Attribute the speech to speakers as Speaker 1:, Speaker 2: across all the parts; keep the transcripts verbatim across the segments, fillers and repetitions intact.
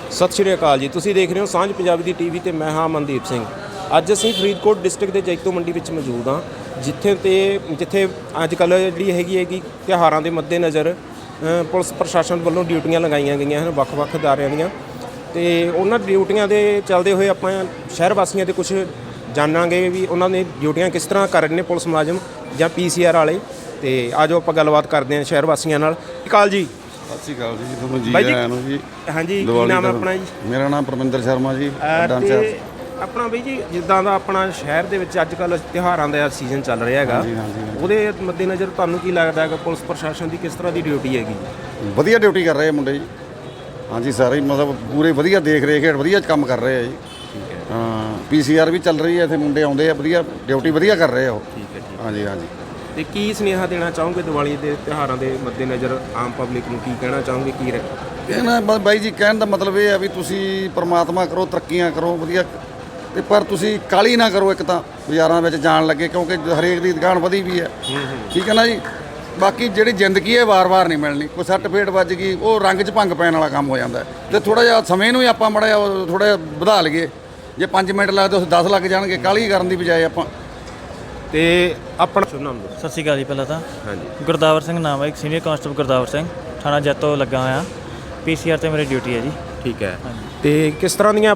Speaker 1: ਸਤਿ ਸ਼੍ਰੀ ਅਕਾਲ ਜੀ। ਤੁਸੀਂ ਦੇਖ ਰਹੇ ਹੋ ਸਾਂਝ ਪੰਜਾਬੀ ਦੀ ਟੀਵੀ ਤੇ ਮੈਂ ਹਾਂ ਮਨਦੀਪ ਸਿੰਘ। ਅੱਜ ਅਸੀਂ ਫਰੀਦਕੋਟ ਡਿਸਟ੍ਰਿਕਟ ਦੇ ਜੈਤੋ ਮੰਡੀ ਵਿੱਚ ਮੌਜੂਦ ਹਾਂ, ਜਿੱਥੇ ਤੇ ਜਿੱਥੇ ਅੱਜ ਕੱਲ੍ਹ ਜਿਹੜੀ ਹੈਗੀ ਹੈਗੀ ਤਿਉਹਾਰਾਂ ਦੇ ਮੱਦੇਨਜ਼ਰ ਪੁਲਿਸ ਪ੍ਰਸ਼ਾਸਨ ਵੱਲੋਂ ਡਿਊਟੀਆਂ ਲਗਾਈਆਂ ਗਈਆਂ ਹਨ ਵੱਖ-ਵੱਖ ਅਦਾਰਿਆਂ ਦੀਆਂ, ਤੇ ਉਹਨਾਂ ਡਿਊਟੀਆਂ ਦੇ ਚੱਲਦੇ ਹੋਏ ਆਪਾਂ ਸ਼ਹਿਰ ਵਾਸੀਆਂ ਦੇ ਕੁਝ ਜਾਣਾਂਗੇ ਵੀ ਉਹਨਾਂ ਨੇ ਡਿਊਟੀਆਂ ਕਿਸ ਤਰ੍ਹਾਂ ਕਰ ਰਹੇ ਨੇ ਪੁਲਿਸ ਮੁਲਾਜ਼ਮ ਜਾਂ ਪੀ ਸੀ ਆਰ ਵਾਲੇ। ਤੇ ਆਜੋ ਆਪਾਂ ਗੱਲਬਾਤ ਕਰਦੇ ਹਾਂ ਸ਼ਹਿਰ ਵਾਸੀਆਂ ਨਾਲ। ਕਾਲ ਜੀ।
Speaker 2: ਸਤਿ ਸ਼੍ਰੀ ਅਕਾਲ ਜੀ, ਤੁਹਾਨੂੰ ਜੀ
Speaker 1: ਬਾਈ ਜੀ।
Speaker 2: ਆਇਆਂ ਨੂੰ ਜੀ।
Speaker 1: ਹਾਂਜੀ, ਕੀ ਨਾਮ ਹੈ ਆਪਣਾ ਜੀ?
Speaker 2: ਮੇਰਾ ਨਾਮ ਪਰਮਿੰਦਰ ਸ਼ਰਮਾ ਜੀ।
Speaker 1: ਤੇ ਆਪਣਾ ਬਈ ਜੀ, ਜਿੱਦਾਂ ਦਾ ਆਪਣਾ ਸ਼ਹਿਰ ਦੇ ਵਿੱਚ ਅੱਜ ਕੱਲ੍ਹ ਤਿਉਹਾਰਾਂ ਦਾ ਸੀਜ਼ਨ ਚੱਲ ਰਿਹਾ ਹੈਗਾ,
Speaker 2: ਹਾਂਜੀ ਹਾਂਜੀ
Speaker 1: ਉਹਦੇ ਮੱਦੇਨਜ਼ਰ ਤੁਹਾਨੂੰ ਕੀ ਲੱਗਦਾ ਹੈਗਾ ਪੁਲਿਸ ਪ੍ਰਸ਼ਾਸਨ ਦੀ ਕਿਸ ਤਰ੍ਹਾਂ ਦੀ ਡਿਊਟੀ ਹੈਗੀ?
Speaker 2: ਵਧੀਆ ਡਿਊਟੀ ਕਰ ਰਹੇ ਆ ਮੁੰਡੇ ਜੀ। ਹਾਂਜੀ, ਸਾਰੇ ਮਤਲਬ ਪੂਰੇ ਵਧੀਆ ਦੇਖ ਰੇਖ ਹੇਠ ਵਧੀਆ ਕੰਮ ਕਰ ਰਹੇ ਆ ਜੀ।
Speaker 1: ਠੀਕ ਹੈ।
Speaker 2: ਹਾਂ, ਪੀ ਸੀ ਆਰ ਵੀ ਚੱਲ ਰਹੀ ਹੈ, ਇੱਥੇ ਮੁੰਡੇ ਆਉਂਦੇ ਆ, ਵਧੀਆ ਡਿਊਟੀ ਵਧੀਆ ਕਰ ਰਹੇ ਆ ਉਹ।
Speaker 1: ਠੀਕ ਹੈ ਜੀ।
Speaker 2: ਹਾਂਜੀ ਹਾਂਜੀ।
Speaker 1: ਤੇ ਕੀ ਸੁਨੇਹਾ ਦੇਣਾ ਚਾਹੋਗੇ ਦੀਵਾਲੀ ਦੇ ਤਿਉਹਾਰਾਂ ਦੇ ਮੱਦੇਨਜ਼ਰ ਆਮ ਪਬਲਿਕ ਨੂੰ? ਕੀ ਕਹਿਣਾ ਚਾਹੋਗੇ? ਕੀ
Speaker 2: ਕਹਿਣਾ ਬ- ਬਾਈ ਜੀ, ਕਹਿਣ ਦਾ ਮਤਲਬ ਇਹ ਹੈ ਵੀ ਤੁਸੀਂ ਪ੍ਰਮਾਤਮਾ ਕਰੋ, ਤਰੱਕੀਆਂ ਕਰੋ ਵਧੀਆ, ਤੇ ਪਰ ਤੁਸੀਂ ਕਾਹਲੀ ਨਾ ਕਰੋ ਇੱਕ ਤਾਂ ਬਾਜ਼ਾਰਾਂ ਵਿੱਚ ਜਾਣ ਲੱਗੇ, ਕਿਉਂਕਿ ਹਰੇਕ ਦੀ ਦੁਕਾਨ ਵਧੀ ਵੀ ਹੈ। ਠੀਕ ਹੈ ਨਾ ਜੀ। ਬਾਕੀ ਜਿਹੜੀ ਜ਼ਿੰਦਗੀ ਹੈ ਵਾਰ-ਵਾਰ ਨਹੀਂ ਮਿਲਣੀ। ਕੋਈ ਸੱਟ ਫੇਟ ਵੱਜ ਗਈ, ਉਹ ਰੰਗ 'ਚ ਭੰਗ ਪੈਣ ਵਾਲਾ ਕੰਮ ਹੋ ਜਾਂਦਾ। ਤੇ ਥੋੜ੍ਹਾ ਜਿਹਾ ਸਮੇਂ ਨੂੰ ਹੀ ਆਪਾਂ ਮਾੜਾ ਜਿਹਾ ਥੋੜ੍ਹਾ ਜਿਹਾ ਵਧਾ ਲਈਏ। ਜੇ ਪੰਜ ਮਿੰਟ ਲੱਗਦੇ ਉਸ ਦਸ ਲੱਗ ਜਾਣਗੇ, ਕਾਹਲੀ ਕਰਨ ਦੀ ਬਜਾਏ ਆਪਾਂ।
Speaker 1: ਤੇ ਆਪਣਾ ਸ਼ੁਭ ਨਾਮ ਦੱਸੋ।
Speaker 3: ਸਤਿ ਸ਼੍ਰੀ ਅਕਾਲ ਜੀ। ਪਹਿਲਾਂ ਤਾਂ
Speaker 1: ਹਾਂਜੀ।
Speaker 3: ਗੁਰਦਾਵਰ ਸਿੰਘ ਨਾਮ ਹੈ, ਇੱਕ ਸੀਨੀਅਰ ਕਾਂਸਟੇਬਲ ਗੁਰਦਾਵਰ ਸਿੰਘ, ਥਾਣਾ ਜੈਤੋ ਲੱਗਾ ਹੋਇਆ। ਪੀ ਸੀ ਆਰ 'ਤੇ ਮੇਰੀ ਡਿਊਟੀ ਹੈ ਜੀ।
Speaker 1: ਠੀਕ ਹੈ। ਤੇ ਕਿਸ ਤਰ੍ਹਾਂ ਦੀਆਂ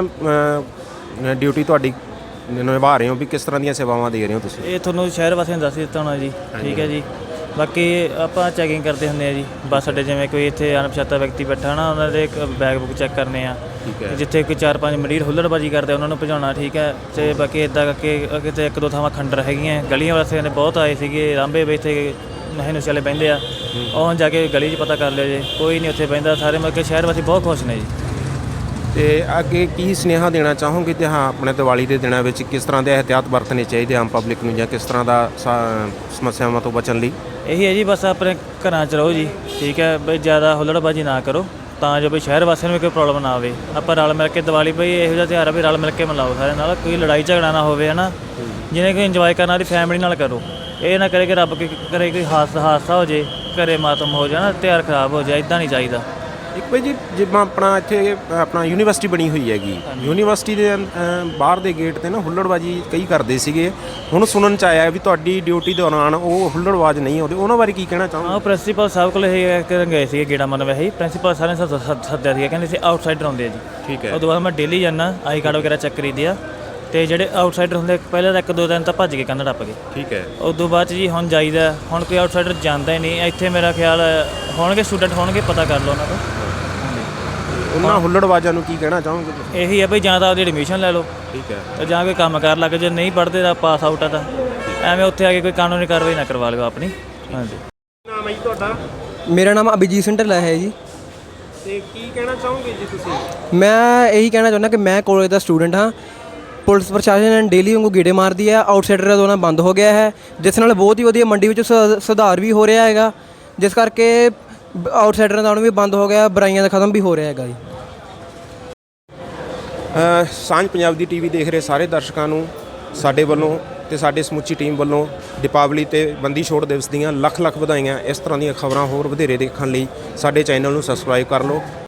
Speaker 1: ਆਪਣੀਆਂ ਡਿਊਟੀ ਤੁਹਾਡੀ ਨਿਭਾ ਰਹੇ ਹੋ ਵੀ ਕਿਸ ਤਰ੍ਹਾਂ ਦੀਆਂ ਸੇਵਾਵਾਂ ਦੇ ਰਹੇ ਹੋ ਤੁਸੀਂ?
Speaker 3: ਇਹ ਤੁਹਾਨੂੰ ਸ਼ਹਿਰ ਵਾਸੀਆਂ ਨੂੰ ਦੱਸ ਦਿੱਤਾ ਹੋਣਾ ਜੀ। ਠੀਕ ਹੈ ਜੀ। ਬਾਕੀ ਆਪਾਂ ਚੈਕਿੰਗ ਕਰਦੇ ਹੁੰਦੇ ਆ ਜੀ ਬੱਸ ਅੱਡੇ, ਜਿਵੇਂ ਕੋਈ ਇੱਥੇ ਅਣਪਛਾਤਾ ਵਿਅਕਤੀ ਬੈਠਾ ਨਾ, ਉਹਨਾਂ ਦੇ ਬੈਗ ਬੁੱਕ ਚੈੱਕ ਕਰਨੇ ਆ।
Speaker 1: ਠੀਕ ਹੈ।
Speaker 3: ਜਿੱਥੇ ਕੋਈ ਚਾਰ ਪੰਜ ਮਰੀਰ ਹੁੱਲੜਬਾਜੀ ਕਰਦੇ ਉਹਨਾਂ ਨੂੰ ਭਜਾਉਣਾ। ਠੀਕ ਹੈ। ਤੇ ਬਾਕੀ ਇੱਦਾਂ ਕਰਕੇ ਕਿਤੇ ਇੱਕ ਦੋ ਥਾਵਾਂ ਖੰਡਰ ਹੈਗੀਆਂ, ਗਲੀਆਂ ਵਾਸੀਆਂ ਨੇ ਬਹੁਤ ਆਏ ਸੀਗੇ ਰਾਂਭੇ ਵੀ, ਇੱਥੇ ਨਸ਼ੇ ਨੁਸ਼ੇ ਵਾਲੇ ਬਹਿੰਦੇ ਆ, ਉਹ ਹੁਣ ਜਾ ਕੇ ਗਲੀ 'ਚ ਪਤਾ ਕਰ ਲਿਓ ਜੇ, ਕੋਈ ਨਹੀਂ ਉੱਥੇ ਬਹਿੰਦਾ। ਸਾਰੇ ਮਤਲਬ ਕਿ ਸ਼ਹਿਰ ਵਾਸੀ ਬਹੁਤ ਖੁਸ਼ ਨੇ ਜੀ।
Speaker 1: ਤੇ ਅੱਗੇ ਕੀ ਸੁਨੇਹਾ ਦੇਣਾ ਚਾਹੋਗੇ ਤੇ ਹਾਂ ਆਪਣੇ ਦੀਵਾਲੀ ਦੇ ਦਿਨਾਂ ਵਿੱਚ ਕਿਸ ਤਰ੍ਹਾਂ ਦੇ ਇਹਤਿਆਤ ਵਰਤਣੇ ਚਾਹੀਦੇ ਆਮ ਪਬਲਿਕ ਨੂੰ, ਜਾਂ ਕਿਸ ਤਰ੍ਹਾਂ ਦਾ ਸਮੱਸਿਆਵਾਂ ਤੋਂ ਬਚਣ ਲਈ?
Speaker 3: ਇਹੀ ਹੈ ਜੀ, ਬਸ ਆਪਣੇ ਘਰਾਂ 'ਚ ਰਹੋ ਜੀ। ਠੀਕ ਹੈ ਬਈ, ਜ਼ਿਆਦਾ ਹੁੱਲੜਬਾਜੀ ਨਾ ਕਰੋ, ਤਾਂ ਜੋ ਬਈ ਸ਼ਹਿਰ ਵਾਸੀਆਂ ਨੂੰ ਵੀ ਕੋਈ ਪ੍ਰੋਬਲਮ ਨਾ ਆਵੇ। ਆਪਾਂ ਰਲ ਮਿਲ ਕੇ ਦੀਵਾਲੀ ਬਈ ਇਹੋ ਜਿਹਾ ਤਿਉਹਾਰ ਆ ਵੀ ਰਲ ਮਿਲ ਕੇ ਮਨਾਓ ਸਾਰੇ ਨਾਲ, ਕੋਈ ਲੜਾਈ ਝਗੜਾ ਨਾ ਹੋਵੇ ਹੈ ਨਾ। ਜਿਹਨੇ ਕੋਈ ਇੰਜੋਏ ਕਰਨਾ ਉਹਦੀ ਫੈਮਿਲੀ ਨਾਲ ਕਰੋ, ਇਹ ਨਾ ਕਰੇ ਕਿ ਰੱਬ ਕੀ ਕਰੇ ਕੋਈ ਹਾਦਸਾ ਹਾਦਸਾ ਹੋ ਜੇ, ਘਰੇ ਮਾਤਮ ਹੋ ਜਾਏ ਨਾ, ਤਿਉਹਾਰ ਖਰਾਬ ਹੋ ਜਾਏ, ਇੱਦਾਂ ਨਹੀਂ ਚਾਹੀਦਾ।
Speaker 1: ਇੱਕ ਭਾਈ ਜੀ, ਜਿਵੇਂ ਆਪਣਾ ਇੱਥੇ ਆਪਣਾ ਯੂਨੀਵਰਸਿਟੀ ਬਣੀ ਹੋਈ ਹੈਗੀ, ਯੂਨੀਵਰਸਿਟੀ ਦੇ ਬਾਹਰ ਦੇ ਗੇਟ 'ਤੇ ਨਾ ਹੁੱਲੜਬਾਜੀ ਕਈ ਕਰਦੇ ਸੀਗੇ। ਹੁਣ ਸੁਣਨ 'ਚ ਆਇਆ ਵੀ ਤੁਹਾਡੀ ਡਿਊਟੀ ਦੌਰਾਨ ਉਹ ਹੁੱਲੜਬਾਜ਼ ਨਹੀਂ ਆਉਂਦੇ, ਉਹਨਾਂ ਬਾਰੇ ਕੀ ਕਹਿਣਾ ਚਾਹੋਗੇ?
Speaker 3: ਹਾਂ, ਪ੍ਰਿੰਸੀਪਲ ਸਾਹਿਬ ਕੋਲ ਇਹ ਕਰਨ ਗਏ ਸੀਗੇ ਗੇੜਾ ਮਨ ਵੈਸੇ ਹੀ। ਪ੍ਰਿੰਸੀਪਲ ਸਾਹਿਬ ਨੇ ਸੱਦਿਆ ਸੀਗਾ, ਕਹਿੰਦੇ ਸੀ ਆਊਟਸਾਈਡਰ ਆਉਂਦੇ ਆ ਜੀ।
Speaker 1: ਠੀਕ ਹੈ।
Speaker 3: ਉਹ ਤੋਂ ਬਾਅਦ ਮੈਂ ਡੇਲੀ ਜਾਂਦਾ, ਆਈ ਕਾਰਡ ਵਗੈਰਾ ਚੈੱਕ ਕਰੀਦੀ ਆ। ਅਤੇ ਜਿਹੜੇ ਆਊਟਸਾਈਡਰ ਹੁੰਦੇ ਪਹਿਲਾਂ ਤਾਂ ਇੱਕ ਦੋ ਦਿਨ ਤਾਂ ਭੱਜ ਕੇ ਕੰਧ ਟੱਪ ਗਏ।
Speaker 1: ਠੀਕ ਹੈ।
Speaker 3: ਉਸ ਤੋਂ ਬਾਅਦ 'ਚ ਜੀ ਹੁਣ ਜਾਈਦਾ, ਹੁਣ ਕੋਈ ਆਊਟਸਾਈਡਰ ਜਾਂਦਾ ਹੀ ਨਹੀਂ ਇੱਥੇ। ਮੇਰਾ ਖਿਆਲ ਹੋਣਗੇ ਸਟੂਡੈਂਟ ਹੋਣਗੇ, ਪਤਾ ਕਰ ਲਓ ਉਹਨਾਂ ਤੋਂ।
Speaker 1: ਉਹਨਾਂ ਹੁੱਲੜਬਾਜ਼ਾਂ ਨੂੰ ਕੀ ਕਹਿਣਾ ਚਾਹੋਗੇ ਤੁਸੀਂ?
Speaker 3: ਇਹੀ ਹੈ ਬਈ, ਜਾਂ ਤਾਂ ਆਪਦੀ ਐਡਮਿਸ਼ਨ ਲੈ ਲਓ,
Speaker 1: ਠੀਕ ਹੈ,
Speaker 3: ਤੇ ਜਾਂ ਕੋਈ ਕੰਮ ਕਰ ਲੱਗ, ਜੇ ਨਹੀਂ ਪੜ੍ਹਦੇ ਤਾਂ ਪਾਸ ਆਊਟ ਆ, ਤਾਂ ਐਵੇਂ ਉੱਥੇ ਆ ਕੇ ਕੋਈ ਕਾਨੂੰਨੀ ਕਾਰਵਾਈ ਨਾ ਕਰਵਾ ਲਿਓ ਆਪਣੀ। ਹਾਂਜੀ।
Speaker 1: ਨਾਮ ਹੈ ਜੀ ਤੁਹਾਡਾ?
Speaker 4: ਮੇਰਾ ਨਾਮ ਅਭਿਜੀਤ ਸਿੰਘ ਢਿੱਲੋਂ ਹੈ ਜੀ।
Speaker 1: ਤੇ ਕੀ ਕਹਿਣਾ ਚਾਹੋਗੇ ਜੀ ਤੁਸੀਂ?
Speaker 4: ਮੈਂ ਇਹੀ ਕਹਿਣਾ ਚਾਹੁੰਦਾ ਕਿ ਮੈਂ ਕਾਲਜ ਦਾ ਸਟੂਡੈਂਟ ਹਾਂ। ਪੁਲਿਸ ਪ੍ਰਸ਼ਾਸਨ ਡੇਲੀ ਵਾਂਗੂ ਗੇੜੇ ਮਾਰਦੀ ਹੈ, ਆਊਟਸਾਈਡਰ ਦਾ ਦੋਨਾ ਬੰਦ ਹੋ ਗਿਆ ਹੈ, ਜਿਸ ਨਾਲ ਬਹੁਤ ਹੀ ਵਧੀਆ ਮੰਡੀ ਵਿੱਚ ਸੁ- ਸੁਧਾਰ ਵੀ ਹੋ ਰਿਹਾ ਹੈਗਾ, ਜਿਸ ਕਰਕੇ ਆਊਟਸਾਈਡਰਾਂ ਦਾ ਵੀ ਬੰਦ ਹੋ ਗਿਆ, ਬੁਰਾਈਆਂ ਦਾ ਖਤਮ ਵੀ ਹੋ ਰਿਹਾ ਹੈਗਾ ਜੀ।
Speaker 1: ਸਾਂਝ ਪੰਜਾਬ ਦੀ ਟੀਵੀ ਦੇਖ ਰਹੇ ਸਾਰੇ ਦਰਸ਼ਕਾਂ ਨੂੰ ਸਾਡੇ ਵੱਲੋਂ ਤੇ ਸਾਡੇ ਸਮੁੱਚੀ ਟੀਮ ਵੱਲੋਂ ਦੀਪਾਵਲੀ ਤੇ ਬੰਦੀ ਛੋੜ ਦਿਵਸ ਦੀਆਂ ਲੱਖ ਲੱਖ ਵਧਾਈਆਂ। ਇਸ ਤਰ੍ਹਾਂ ਦੀਆਂ ਖਬਰਾਂ ਹੋਰ ਵਧੇਰੇ ਦੇਖਣ ਲਈ ਸਾਡੇ ਚੈਨਲ ਨੂੰ ਸਬਸਕ੍ਰਾਈਬ ਕਰ ਲਓ।